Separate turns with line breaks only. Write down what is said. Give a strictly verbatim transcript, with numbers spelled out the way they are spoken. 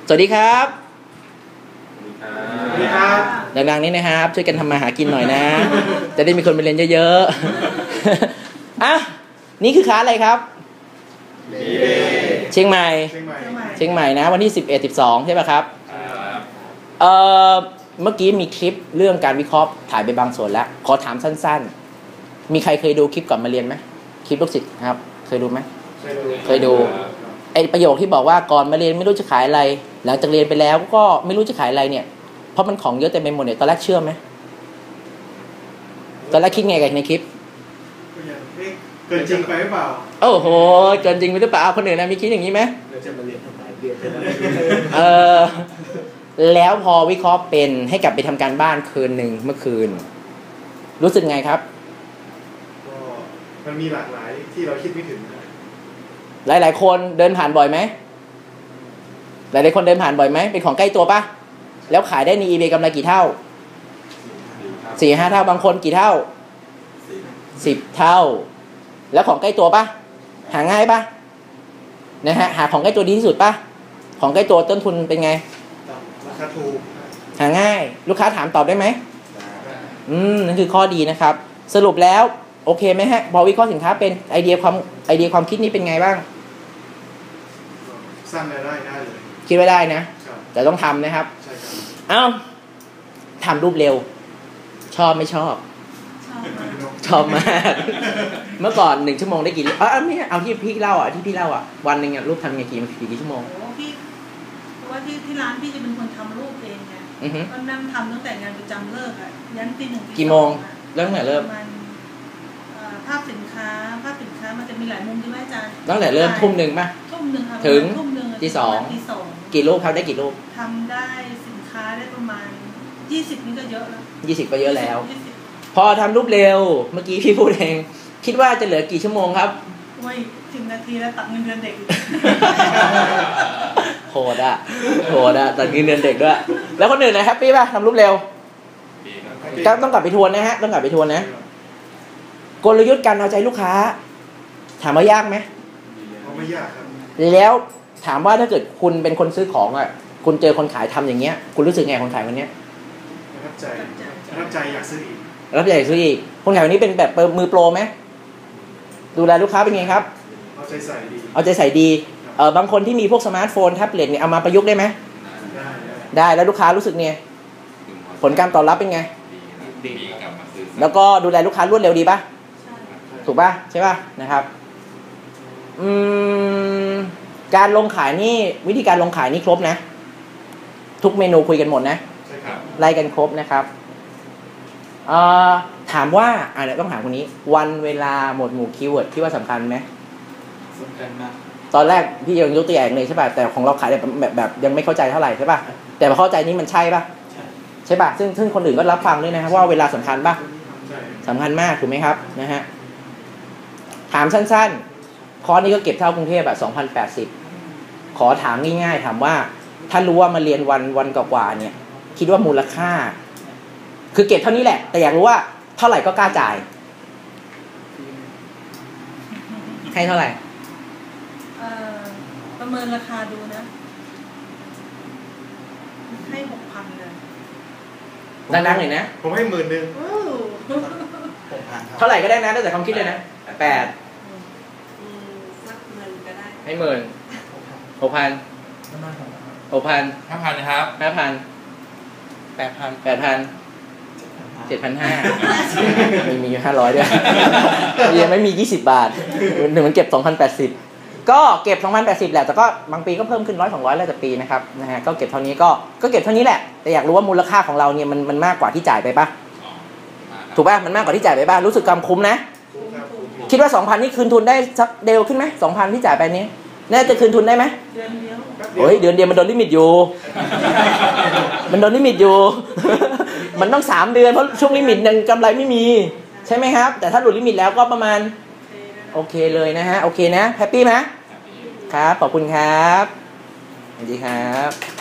สวัสดีครับ
สวัสดีครับ
ดังๆนี้นะครับช่วยกันทำมาหากินหน่อยนะจะได้มีคนไปเรียนเยอะๆอ่ะนี่คือคลาสอะไรครับเชียงใหม่เชียงใหม่นะวันที่สิบเอ็ด สิบสองใช่ป่ะครับเอ่อเมื่อกี้มีคลิปเรื่องการวิเคราะห์ถ่ายไปบางส่วนแล้วขอถามสั้นๆมีใครเคยดูคลิปก่อนมาเรียนไหมคลิปลูกศิษย์ครับเคยดูไหมเคยดูไอประโยคที่บอกว่าก่อนมาเรียนไม่รู้จะขายอะไรหลังจากเรียนไปแล้วก็ไม่รู้จะขายอะไรเนี่ยเพราะมันของเยอะเต็มไปหมดเนี่ยตอนแรกเชื่อไหมตอนแรกคิดไงกันในคลิป
เกินจริงไปหรือเปล่า
โอ้โหเกินจริงไปหรือเปล่าคนอื่นนะมีคิดอย่างนี้ไหม
เราจะมาเรียนทำไมเรียน
เออแล้วพอวิเคราะห์เป็นให้กลับไปทำการบ้านคืนหนึ่งเมื่อคืนรู้สึกไงครับ
ก็มันมีหลากหลายที่เราคิดไม่ถึง
หลายๆคนเดินผ่านบ่อยไหมหลายๆคนเดินผ่านบ่อยไหมเป็นของใกล้ตัวปะแล้วขายได้ใน อีเบย์ กำไรกี่เท่าสี่ห้าเท่าบางคนกี่เท่าสิบเท่าแล้วของใกล้ตัวปะหาง่ายปะนะฮะหาของใกล้ตัวดีที่สุดปะของใกล้ตัวต้นทุนเป็นไง
ราคาถูก
หาง่ายลูกค้าถามตอบได้ไหมอืมนั่นคือข้อดีนะครับสรุปแล้วโอเคไหมฮะพอวิเคราะห์สินค้าเป็นไอเดียความไอเดียความคิดนี้เป็นไงบ้าง
สร้างรายได้ได้เลย
คิดไว้ได้นะแต่ต้องทำนะครับ
ใช่ครับ
เอ้าทำรูปเร็วชอบไม่ชอบชอบมากเมื่อก่อนหนึ่งชั่วโมงได้กี่เออไม่เอาที่พี่เล่าอ่ะที่พี่เล่าอ่ะวันหนึ่งอ่ะรูปทำไงกี่กี่ชั่วโมง
โอ้พี่เพราะว่าที่ที่ร้านพี่จะเป็นคนทำรูปเองไงก็นั่งทำตั้งแต่งานประจำเลิกอ่ะยันตีหนึ่ง
กี่โมงเริ่มตั้งแต่เริ่ม
ภาพสินค้าภาพสินค้ามันจะมีหลายมุมใช่ไหมอาจารย์
ตั้งแต่เริ่มทุ่มหนึ่งป่ะ
ทุ่มหนึ่งค่ะ
ถึง
ที่
สองกี่รูปครับได้กี่รูป
ทำได้สินค้าได้ประมาณยี่สิบนี่ก็เยอะแล้ว
ยี่สิบก็เยอะแล้วพอทำรูปเร็วเมื่อกี้พี่พูดเองคิดว่าจะเหลือกี่ชั่วโมงครับ
โอ้ยสิบนาทีแล้วตัดเงินเดือนเด็ก
โหดอ่ะโหดอ่ะตัดเงินเดือนเด็กด้วยแล้วคนอื่นนะแฮปปี้ป่ะทำรูปเร็วก็ต้องกลับไปทวนนะฮะต้องกลับไปทวนนะกลยุทธ์การเอาใจลูกค้าถามว่ายากไหม
ไม่ยากครับ
แล้วถามว่าถ้าเกิดคุณเป็นคนซื้อของอ่ะคุณเจอคนขายทำอย่างเงี้ยคุณรู้สึกไงคนขายคนเนี้ย
ประทับใจประทับใจอยากซื้ออีก
ประทับใจอยากซื้ออีกคนขายคนนี้เป็นแบบมือโปรไหมดูแลลูกค้าเป็นไงครับ
เอาใจใส่ดี
เอาใจใส่ดีเออบางคนที่มีพวกสมาร์ทโฟนแท็บเล็ตเนี่ยเอามาประยุกต์ได้ไหม
ได้
ได้แล้วลูกค้ารู้สึกไงผลการตอบรับเป็นไงดีแล้วก็ดูแลลูกค้ารวดเร็วดีป่ะถูกป่ะใช่ป่ะนะครับอืมการลงขายนี่วิธีการลงขายนี่ครบนะทุกเมนูคุยกันหมดนะ
ใช่ครับ
ไล่กันครบนะครับเอ่อถามว่าอ่าเดี๋ยวต้องถามคนนี้วันเวลาหมวดหมู่คีย์เวิร์ดที่ว่าสำคัญไหม
สำคัญมาก
ตอนแรกพี่ยังยกตัวอย่างเลยใช่ป่ะแต่ของเราขายแบบแบบแบบยังไม่เข้าใจเท่าไหร่ใช่ป่ะแต่พอเข้าใจนี้มันใช่ป่ะใช่ป่ะซึ่งซึ่งคนอื่นก็รับฟังด้วยนะครับว่าเวลาสำคัญป่ะสำคัญมากถูกไหมครับนะฮะถามสั้นๆคอร์สนี้ก็เก็บเท่ากรุงเทพอะสองพันแปดสิบขอถามง่ายๆถามว่าถ้ารู้ว่ามาเรียนวันวันกว่าๆเนี่ยคิดว่ามูลค่าคือเก็บเท่านี้แหละแต่อยากรู้ว่าเท่าไหร่ก็กล้าจ่ายให้เท่าไหร่
เอ่อประเมินราคาดูนะให้หกพันเลย
ดังๆหน่อยนะ
ผมให้หมื่นหนึ่ง
เท่าไหร่ก็ได้นะตั้งแต่ความคิดเลยนะแปด
สักเงินก็ได้
ให้หมื่นหกพันหกพัน
ห้าพันนะครับ
ห้าพันแปดพันแปดพันเจ็ดพันห้ามีมีห้าร้อยด้วยยังไม่มียี่สิบบาทหนึ่งมันเก็บสองพันแปดสิบก็เก็บสองพันแปดสิบแหละแต่ก็บางปีก็เพิ่มขึ้นร้อยสองร้อยแล้วแต่ปีนะครับนะฮะก็เก็บเท่านี้ก็ก็เก็บเท่านี้แหละแต่อยากรู้ว่ามูลค่าของเราเนี่ยมันมันมากกว่าที่จ่ายไปปะถูกป่ะมันมากกว่าที่จ่ายไปป่ะรู้สึกกำคุ้มนะคิดว่า สองพัน นี่คืนทุนได้สักเดียวขึ้นไหม สองพัน ที่จ่ายไปนี้น่าจะคืนทุนได้ไหม
เดือนเดียว
โอ้ยเดือนเดียวมันโดนลิมิตอยู่มันโดนลิมิตอยู่มันต้องสามเดือนเพราะช่วงลิมิตยังกำไรไม่มีใช่ไหมครับแต่ถ้าหลุดลิมิตแล้วก็ประมาณโอเคเลยนะฮะโอเคนะแฮปปี้ไหมครับขอบคุณครับสวัสดีครับ